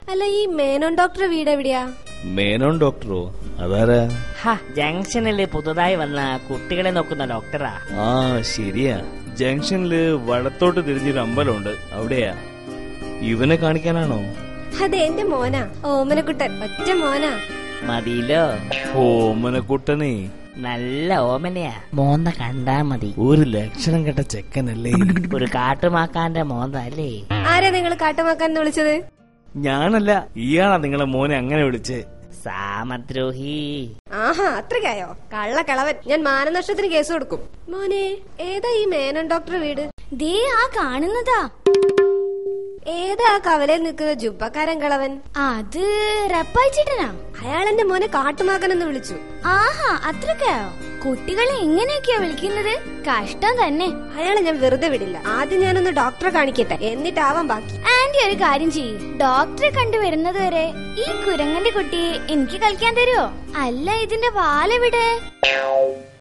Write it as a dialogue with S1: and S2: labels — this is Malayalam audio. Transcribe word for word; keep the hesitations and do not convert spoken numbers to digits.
S1: അല്ല, ഈ മേനോൻ ഡോക്ടറെ വീട് എവിടെയാ?
S2: മേനോൻ ഡോക്ടറോ? അതാരാ?
S3: ജംഗ്ഷനില് പുതുതായി വന്ന കുട്ടികളെ നോക്കുന്ന ഡോക്ടറാ.
S2: ആ ശരിയാ, ജംഗ്ഷനില് വടത്തോട്ട് തിരിഞ്ഞൊരു അമ്പലമുണ്ട്, അവിടെയാ. ഇവനെ കാണിക്കാനാണോ?
S1: അതെ, എന്റെ മോനാ, ഓമനക്കുട്ടൻ. ഒറ്റ മോനാ.
S3: മതിയിലോ?
S2: ഓമനക്കുട്ടനെ
S3: നല്ല ഓമനയാ. മോന്ത കണ്ടാ മതി.
S2: ഒരു ലക്ഷണം കെട്ട ചെക്കനല്ലേ?
S3: ഒരു കാട്ടുമാക്കാന്റെ മോന്ത അല്ലേ?
S1: ആരാ നിങ്ങൾ കാട്ടുമാക്കാൻ വിളിച്ചത്?
S2: ഞാനല്ല, ഇയാളാ നിങ്ങളെ മോനെ അങ്ങനെ വിളിച്ചേ.
S3: സാമദ്രോഹി.
S1: ആഹാ, അത്രയ്ക്കായോ? കള്ള കളവൻ. ഞാൻ മാനനഷ്ടത്തിന് കേസ് കൊടുക്കും. മോനെ, ഏതാ ഈ മേനോൻ ഡോക്ടറെ വീട്?
S4: ദേ ആ കാണുന്നതാ.
S1: ഏതാ ആ കവലയിൽ നിൽക്കുന്ന ജുബക്കാരൻ കളവൻ?
S4: അത് റപ്പായിച്ചിട്ടനാ.
S1: അയാൾ എന്റെ മോനെ കാട്ടുമാക്കനെന്ന് വിളിച്ചു.
S4: ആഹാ, അത്രക്കായോ? കുട്ടികളെ എങ്ങനെയൊക്കെയാ വിളിക്കുന്നത്? കഷ്ടം തന്നെ.
S1: അയാളെ ഞാൻ വെറുതെ വിടില്ല. ആദ്യം ഞാനൊന്ന് ഡോക്ടറെ കാണിക്കട്ടെ, എന്നിട്ടാവാൻ ബാക്കി.
S4: ആന്റി ഒരു കാര്യം ചെയ്യ്, ഡോക്ടറെ കണ്ടുവരുന്നത് വരെ ഈ കുരങ്ങന്റെ കുട്ടിയെ എനിക്ക് കളിക്കാൻ തരുമോ? അല്ല, ഇതിന്റെ വാലെവിടെ?